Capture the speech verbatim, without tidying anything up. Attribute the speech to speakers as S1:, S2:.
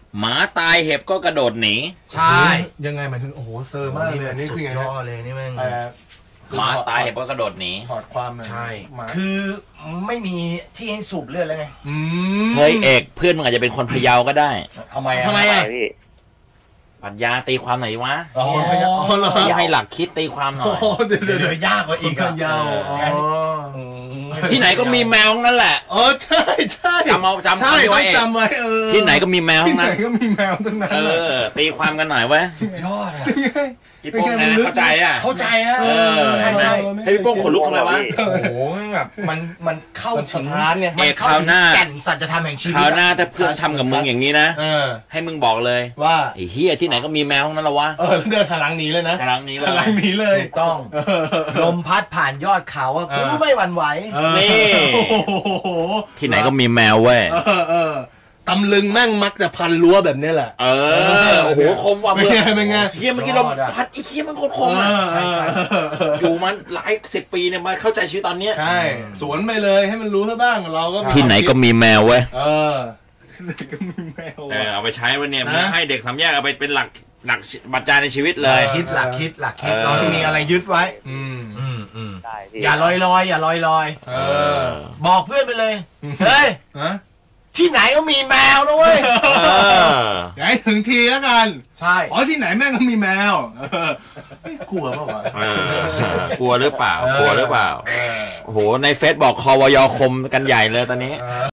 S1: หมาตายเห็บก็กระโดดหนี
S2: ใช่
S3: ยังไงหมายถึงโอ้โหเซอร์มากเลยนี่คือไง
S2: ย่อเลยนี่มัน
S1: หมาตายเห็บก็กระโดดหนี
S3: ถอดความ
S2: ใช่คือไม่มีที่ให้สูบเลือดเลยไง
S1: เฮ้ยเอกเพื่อนมึงอาจจะเป็นคนพะเยาก็ได้
S2: ทำไมอ่ะ
S3: ทำไมอ่ะ
S1: ปรัชญาตีความไหนวะ
S3: อย่
S1: าให้หลักคิดตีความหน่อย
S2: เดี๋ยวยากกว่าอีก
S3: พะเยา
S1: ที่ไหนก็มีแมวนั่นแหละ
S3: เออใช่ใช่
S1: จำเอาจำ
S3: ใช่ต้องจำไว้เออ
S1: ที่ไหนก็มีแมว
S3: ที่ไหนก็มีแมวทั้งนั้น
S1: เออตีความกันหน่อยเว้ย
S2: สุดยอดอ่ะ
S1: พี่โป้งนะเข้าใจอ่ะ
S2: เข้าใจอ่ะ
S1: เออให้พี่โป้งขนลุกทำไมวะ
S2: โอ้โหแบบมันมันเข้าถึง
S1: เนี่ยเอกคราวหน้า
S2: แก่นสัจธรรมแห่งชีวิต
S1: คราวหน้าถ้าเพื่อนทำกับมึงอย่างนี้นะให้มึงบอกเลย
S3: ว่า
S1: ไอ้เฮียที่ไหนก็มีแมวทั้งนั้นละวะ
S3: เออเดินหันหลังหนีเลยนะ
S1: หันหลังหนีเลย
S3: หันหลังหนีเลย
S2: ถูกต้องลมพัดผ่านยอดเขาอ่ะกูไม่หวั่นไหว
S1: นี่ที่ไหนก็มีแมวเว้ย
S3: ตำลึงแม่งมักจะพันรั้วแบบนี้แหละ
S1: เออโอ้โหคมว่ะ
S3: เป็นไงเป็นไง
S1: เฮียเมื่อกี้เราพัดไอ้เฮียมันโคตรคมอ่ะใช่ใช่อยู่มันหลายสิบปีเนี่ยมาเข้าใจชีวิตตอนเนี้ย
S3: ใช่สวนไปเลยให้มันรู้ซะบ้างเราก็
S1: ที่ไหนก็มีแมวเว้ย
S3: เออที่ไหนก็มีแมว
S1: เออเอาไปใช้วันนี้ให้เด็กสามแยกเอาไปเป็นหลักหลักบัตรใจในชีวิตเลย
S2: คิดหลักคิดหลักคิดเราต้องมีอะไรยึดไว้อืมอืมอืมอย่าลอยลอยอย่าลอยลอย
S3: เออ
S2: บอกเพื่อนไปเลยเฮ้ยที่ไหนก็มีแมวนะเว้ย
S3: อย่าให้ถึงทีแล้วกัน
S2: ใช่
S3: อ๋อที่ไหนแม่งก็มีแมวไม่กลัวเปล่าวะ
S1: กลัวหรือเปล่ากลัวหรือเปล่าโอ้โหในเฟซบอกคอวยคมกันใหญ่เลยตอนนี้